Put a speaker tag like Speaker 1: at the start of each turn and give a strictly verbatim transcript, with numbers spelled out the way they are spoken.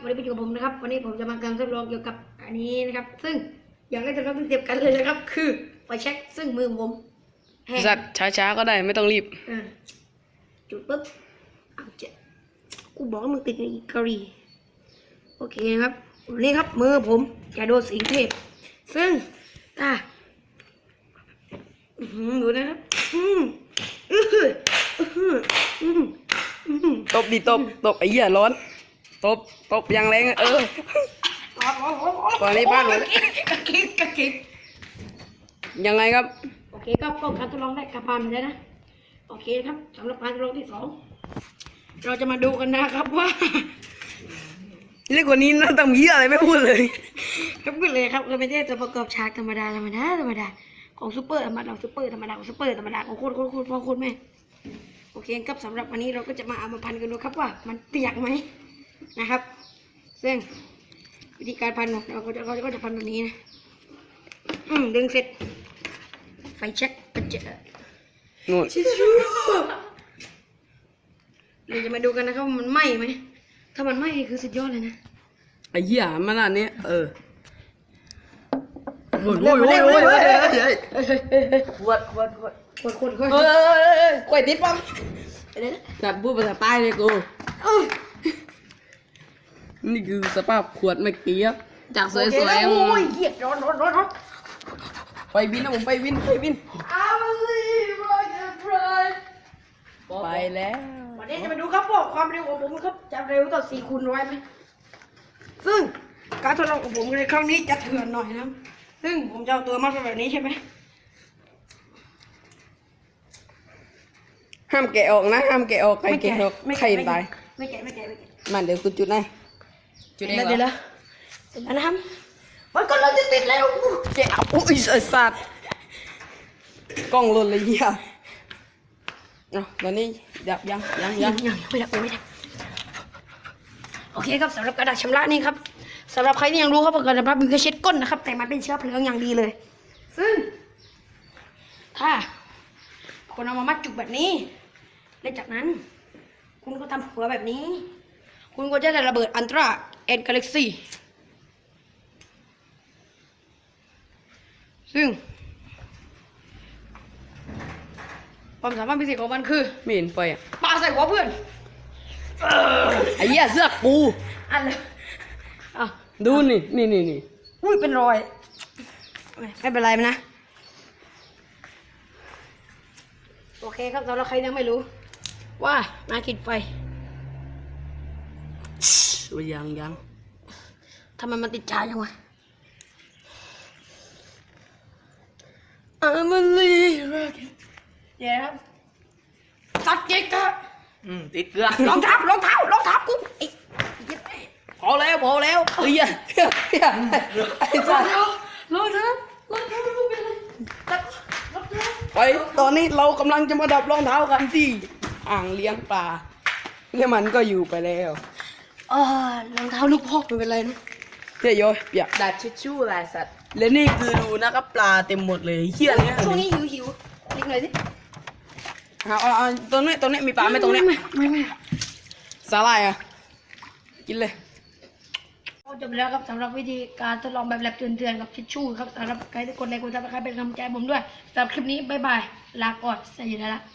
Speaker 1: วันนี้ไปอยู่กับผมนะครับวันนี้ผมจะมาการทดลองเกี่ยวกับอันนี้นะครับซึ่งอย่างแรกเราต้องเตรียมกันเลยนะครับคือไฟแช็กซึ่งมือผมแห้ง
Speaker 2: สัตว์ช้าๆก็ได้ไม่ต้องรีบ
Speaker 1: จุดปุ๊บเอาเจ็ดกูบอกว่ามึงติดในกะหรี่โอเคนะครับนี่ครับมือผมจะโดนสิงเทพซึ่งอ่ะดูนะครับ
Speaker 2: ตบดิตบตบไอ้เหี้ยร้อนตบตบอย่างแรงเออตอนนี้บ้านหมดแล้ว
Speaker 1: กระคิกกระคิก
Speaker 2: ยังไงครับ
Speaker 1: โอเคก็ก็การทดลองได้กระพานไปแล้วนะโอเคครับสำหรับการทดลองที่สองเราจะมาดูกันนะครับว่า
Speaker 2: เรื่องคนนี้น่าทำเหี้ยอะไรไม่พูดเลย
Speaker 1: ครับขึ้นเลยครับเราไม่ใช่ตัวประกอบฉากธรรมดาธรรมดาธรรมดาของซูเปอร์ธรรมดาของซูเปอร์ธรรมดาของซูเปอร์ธรรมดาของโคตรโคตรโคตรพ่อโคตรแม่โอเคครับสำหรับวันนี้เราก็จะมาเอามาพันกันดูครับว่ามันเปียกไหมนะครับซึ่งวิธีการพันของเราก็จะเราก็จะพันแบบนี้นะอืมดึงเสร็จไฟเช็คกระเจาะ
Speaker 2: นู่น
Speaker 1: ชิชูเราจะมาดูกันนะครับว่ามันไหม้ไหมถ้ามันไหม้คือสุดยอดเลยนะ
Speaker 2: ไอ้เหี้ยมันอันนี้เออโอ้ย
Speaker 1: เร็
Speaker 2: โอ้
Speaker 1: วย
Speaker 2: โอ้
Speaker 1: เร็
Speaker 2: ยว โอ้
Speaker 1: เร็
Speaker 2: ยว
Speaker 1: เร็ว
Speaker 2: ขวดขวดขวด
Speaker 1: ขวดขวดขวด
Speaker 2: เฮ้ยกล้วยติดปั๊ม
Speaker 1: ไปเลยนะ
Speaker 2: สัตว์พูดภาษาใต้เลยกูนี่คือสภาพขวดเมื่อกี้ครับจากสวย
Speaker 1: โอเค
Speaker 2: ๆ
Speaker 1: แล้วโอ้ยเหี้ยร้อนร้อนร้อนร้อน
Speaker 2: ไปบินนะผมไปบินไปบิน
Speaker 1: I believe I can fly
Speaker 2: ไปแล้ว
Speaker 1: วันนี้จะมาดูครับว่าความเร็วของผมครับจะเร็วต่อสี่คูณร้อยไหมซึ่งการทดลองของผมในครั้งนี้จะเถื่อนหน่อยนะซึ่งผมจะเอาตัวมาแบบนี้ใช่ไหม
Speaker 2: ห้ามแกะออกนะห้ามแกะออกใครแกะออกใครตาย
Speaker 1: ไม่แกะไม่แกะไม่แกะ
Speaker 2: มันเดี๋ยวกูจุดให้จุดเองเหร
Speaker 1: เดี๋ยว
Speaker 2: อ
Speaker 1: แล้วเสร็จแล้วนะครับมันก็เราจะติดแล้ว
Speaker 2: แกะอุ้ยไอ้สัตว์กล้องหล่นเลยเหี้ยอ่ะตอนนี้ดับยังยัง
Speaker 1: ยั
Speaker 2: ยัง ง
Speaker 1: ยังไม่ได้ไม่ได้โอเคครับสำหรับกระดาษชำระนี่ครับสำหรับใครที่ยังรู้ครับว่ากระดาษชำระมีแค่เช็ดก้นนะครับแต่มันเป็นเชื้อเพลิงอย่างดีเลย ซึ่ง ถ้าคนเอามามัดจุกแบบนี้และจากนั้น คุณก็ทำหัวแบบนี้ คุณก็จะได้ระเบิดอันตราเอ็นกาแล็กซี่ซึ่งความสามารถพิเศษของมันคือ
Speaker 2: ไม่เห็นไฟอ่ะ
Speaker 1: ปาใส่หัวเพื่อน
Speaker 2: ไอ้เหี้ยเสื้อกู
Speaker 1: อันเลยอ่ะ
Speaker 2: ดูนี่นี่นี่นี่
Speaker 1: อุ้ยเป็นรอยไม่เป็นไรมันนะโอเคครับสำหรับใครยังไม่รู้ ว่ามากินไฟ
Speaker 2: ยังยัง
Speaker 1: ทำไมมันติดชาจังวะ I'm a little เดี๋ยวครับสัตว์เจ๊กะ
Speaker 2: อืมติดเกลือ
Speaker 1: รองเท้ารองเท้ารองเท้ากูไอ้เหี้ย
Speaker 2: พอแล้วพอแล้วเฮ้ยเฮ้ยเฮ้ยไอ้
Speaker 1: ร
Speaker 2: สั
Speaker 1: อง
Speaker 2: ตว์
Speaker 1: เท้ารองเท้ารองเท้าไม่รู้เป็นอะไรตัดรองเท้า
Speaker 2: ไปตอนนี้เรากำลังจะมาดับรองเท้ากันที่อ่างเลี้ยงปลาเนี่ยมันก็อยู่ไปแล้ว
Speaker 1: อ่ารองเท้าลูกพ่อไม่เป็นไรนะ
Speaker 2: เฮ้ยโยเปียก
Speaker 3: ดัดชิชชู่ลายสัตว์
Speaker 2: และนี่คือดูนะครับปลาเต็มหมดเลยเฮี้ยเนี่ย
Speaker 1: ช่วงนี้หิวหิวนิดหน่อยสิ
Speaker 2: เอาเอาเอาตรงนี้ตรงนี้มีปลาไหมตรงเนี้ย
Speaker 1: ไม่ไม่ไม่
Speaker 2: สาหร่ายอ่ะกินเลย
Speaker 1: จบแล้วครับสำหรับวิธีการทดลองแบบแลบเตือนๆกับทิชชู่ครับสำหรับใครที่กดไลค์กดซับสไครป์เป็นกำลังใจให้ผมด้วยสำหรับคลิปนี้บ๊ายบายลาก่อนสวัสดีแล้ว